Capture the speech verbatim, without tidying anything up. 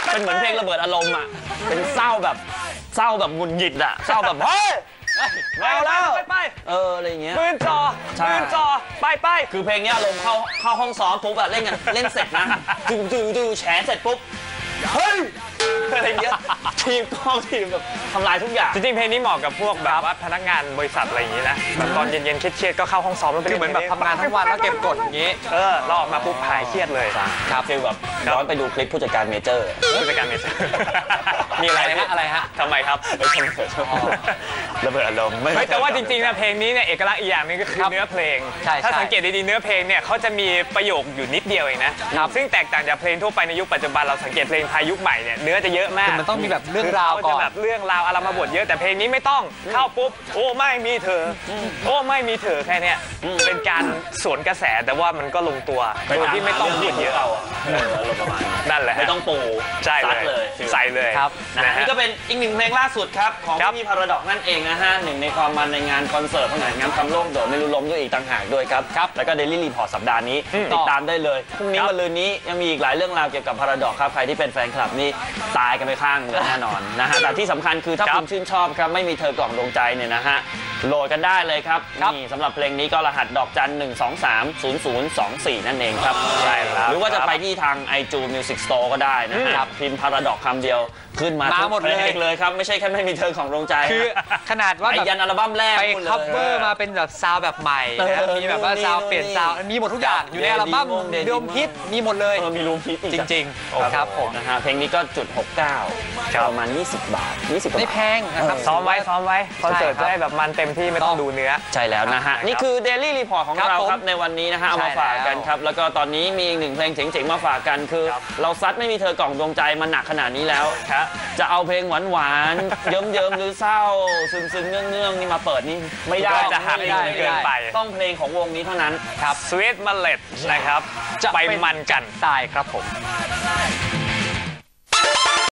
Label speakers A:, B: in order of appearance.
A: เป็นเหมือนเพลงระเบิดอารมณ์อ่ะเป็นเศร้าแบบเศร้าแบบหงุดหงิดอ่ะเศร้าแบบเฮ้ยแมวแล้วไปเอออะไรเงี้ยปืนจอปืนจอไปไปคือเพลงนี้อารมณ์เข้าเข้าห้องซ้อมปุ๊บอะเล่นกันเล่นเสร็จนะดูดูดูแฉเสร็จปุ๊บเฮ้ยอะไรเงี้ยทีมกองทีมแบบทำลายทุกอย่าง
B: จริงๆเพลงนี้เหมาะกับพวกแบบว่าพนักงานบริษัทอะไรอย่างนี้นะตอนเย็นๆเครียดๆก็เข้าห้องซ้อมแล้วคือเหมือนแบบทำงานทั้งวันแล้วเก็บกดอย่างนี้เออเราออกมาปุ๊บหายเครียดเลย
A: ครับฟีลแบบย้อนไปดูคลิปผู้จัดการเมเจอร์
B: ผู้จัดการเมเจอร์มีอะไรฮะอะไรฮะทำไมครับ
A: ระเบิดอารมณ์
B: ไม่แต่ว่าจริงๆนะเพลงนี้เนี่ยเอกลักษณ์อีกอย่างนึงก็คือเนื้อเพลงถ้าสังเกตดีๆเนื้อเพลงเนี่ยเขาจะมีประโยคอยู่นิดเดียวเองนะซึ่งแตกต่างจากเพลงทั่วไปในยุคปัจจุบันเราสังเกตเพลงไทยยุคใหม่เนี่ยเนื้อจะเยอะมาก
C: มันต้องมีแบบเรื่องราวก่อน
B: แบบเรื่องราวอารมบทเยอะแต่เพลงนี้ไม่ต้องเข้าปุ๊บโอ้ไม่มีเธอโอ้ไม่มีเธอแค่นี้เป็นการสวนกระแสแต่ว่ามันก็ลงตัวโดยที่ไม่ต้องพูดเยอะเอา
A: ประมาณ
B: นั่นแหละ
A: ไม่ต้องปู
B: ใช่เลยใส่เลย
A: ครับนี่ก็เป็นอีกหนึ่งเพลงล่าสุดครับของพี่พาราดอกนั่นเองนะฮะหนึ่งในความมันในงานคอนเสิร์ตงานงานทำโล่งโดดไม่รู้ล้มด้วยอีกต่างหากด้วยครับแล้วก็เดลี่รีพอร์ตสัปดาห์นี้ติดตามได้เลยพรุ่งนี้มะรืนนี้ยังมีอีกหลายเรื่องราวเกี่ยวกับพาราดอกครับใครที่เป็นแฟนคลับนี่ตายกันไปข้างเลยแน่นอนนะฮะแต่ที่สำคัญคือถ้าคุณชื่นชอบครับไม่มีเธอกล่องดวงใจเนี่ยนะฮะโหลดกันได้เลยครับนี่สำหรับเพลงนี้ก็รหัสดอกจันหนึ่งสองสามศูนย์ศูนย์สองสี่นั่นเองครับใช่หรือว่าจะไปที่ทาง ไอจูน Music Store ก็ได้นะครับพิมพ์พาราดอกคำเดียวขึ้นมา
C: หมดเลย
A: เลยครับไม่ใช่แค่ไม่มีเธอของดวงใจ
C: คือขนาดว่า
A: แบบยันอัลบั้มแรก
C: ไปคัฟเวอร์มาเป็นแบบซาวแบบใหม่มีแบบว่าซาวเปลี่ยนซาวมีหมดทุกอย่างอยู่ในอัลบั้มรวมฮิตมีหมดเลย
A: มีรวมฮิต
C: จริงๆครับผม
A: นะฮะเพลงนี้ก็จุดหกเก้าประมาณยี่สิบบาทยี่สิบ
C: ไม่แพงนะครับ
B: ซ้อมไว้ซ้อมไว้คอนเสิร์ตจะได้แบบมันเต็มที่ไม่ต้องดูเนื้อ
A: ใช่แล้วนะฮะนี่คือ Daily Report ของเราครับในวันนี้นะฮะเอามาฝากกันครับแล้วก็ตอนนี้มีอีกหนึ่งเพลงเจ๋งๆมาฝากกันคือเราซัดไม่มีเธอกล่องดวงใจมันหนักขนาดนี้แล้วจะเอาเพลงหวานๆเยิ้มๆหรือเศร้าซึมๆเงื่องๆนี่มาเปิดนี่ไม่ได้
B: จะหักเกินไป
A: ต้องเพลงของวงนี้เท่านั้น
B: ครับ Sweet Mallet นะครับไปมันกัน
C: ตายครับผม